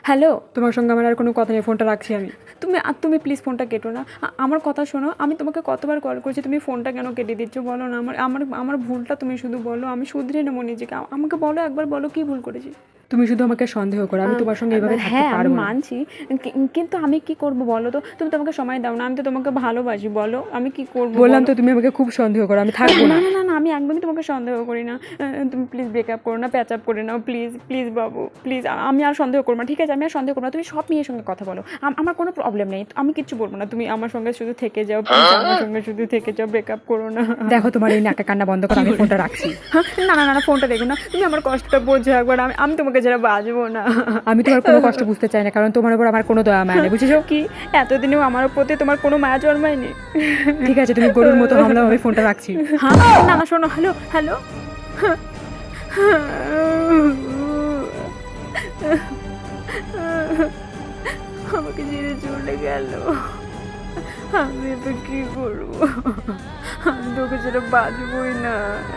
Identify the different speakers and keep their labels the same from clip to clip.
Speaker 1: Hello,
Speaker 2: তোমার সঙ্গে আমার আর কোনো কথা নেই, ফোনটা রাখছি আমি।
Speaker 1: তুমি প্লিজ ফোনটা কেটো না। আমার কথা শোনো, আমি তোমাকে কতবার কল করছি, তুমি ফোনটা কেন কেটে দিচ্ছ বলো না। আমার আমার আমার ভুলটা তুমি শুধু বলো, আমি শুধরে নেবো নিজেকে। আমাকে বলো, একবার বলো কী ভুল করেছি।
Speaker 2: তুমি শুধু আমাকে সন্দেহ করো, আমি তোমার সঙ্গে এইভাবে থাকতে
Speaker 1: হ্যাঁ, আমি
Speaker 2: পারবো না।
Speaker 1: মানছি, কিন্তু আমি কি করব বলো তো। তুমি তো আমাকে সময় দাও না, আমি তো তোমাকে ভালোবাসি, বলো আমি কি করবো
Speaker 2: বললাম
Speaker 1: বলো।
Speaker 2: তো তুমি আমাকে খুব সন্দেহ করো, আমি থাকবো
Speaker 1: না
Speaker 2: না।
Speaker 1: না না না, আমি একদমই তোমাকে সন্দেহ করি না। তুমি প্লিজ ব্রেকআপ করো না, প্যাচ আপ করে নাও, প্লিজ প্লিজ বাবু প্লিজ। আমি আর সন্দেহ করবো না, ঠিক আছে? আমি আর সন্দেহ করবো না। তুমি সব মেয়ের সঙ্গে কথা বলো, আমার কোনো প্রবলেম নেই, আমি কিচ্ছু বলবো না। তুমি আমার সঙ্গে শুধু থেকে যাও, প্লিজ আমার সঙ্গে শুধু থেকে যাও, ব্রেকআপ করো না।
Speaker 2: দেখো তোমার এই নাকা কান্না বন্ধ করো, আমি ফোনটা রাখছি।
Speaker 1: না না না না, ফোনটা দেখো না, তুমি আমার কষ্টটা বোঝো একবার। আমি তোমাকে যারা বাঁচবো না।
Speaker 2: আমি তোমার কোনো কষ্ট বুঝতে চাই না, কারণ তোমার উপর আমার কোনো দয়া মায়া নেই, বুঝেছো?
Speaker 1: কি এতদিনেও আমার প্রতি তোমার কোনো মায়া জন্মায়নি?
Speaker 2: ঠিক আছে, তুমি গরুর মতো হামলা, আমি ফোনটা রাখছি।
Speaker 1: হ্যাঁ, না না, শোনো, হ্যালো হ্যালো। আমাকে ছেড়ে চলে গেল, আমি এবার কি করবো? আমি তোকে ছেড়ে বাঁচবই না।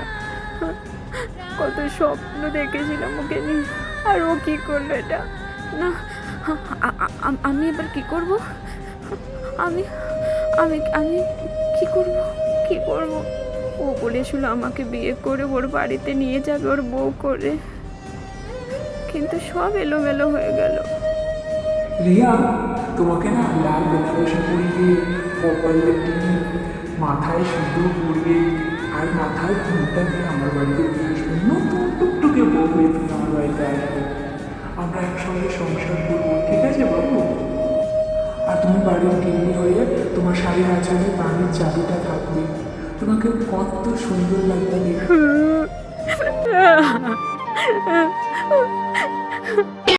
Speaker 1: কত স্বপ্ন দেখেছিলাম ওকে নিয়ে, আর ও কি করলো এটা? না, আমি এবার কি করব? আমি আমি আমি কি করব? কি করব? ও বলেছিল আমাকে বিয়ে করে ওর বাড়িতে নিয়ে যাবে, ওর বউ করে, কিন্তু সব এলোমেলো হয়ে গেল।
Speaker 3: রিয়া, তোমাকে না লাল বেনারসি পরিয়ে, কপাল দিয়ে, মাথায় সিঁদুর পরিয়ে আর মাথায় ঘুমটা দিয়ে আমার বাড়িতে নিয়ে আসবে। নতুন টুকটুকে বউ হয়ে তুমি আমার বাড়িতে আসবে, আমরা একসঙ্গে সংসার করবো, ঠিক আছে বাবু? আর তুমি বাড়ির গিন্নি হয়ে তোমার শাড়ির আঁচলে বাড়ির চাবিটা থাকবে। তোমাকে কত সুন্দর লাগবে রিয়া।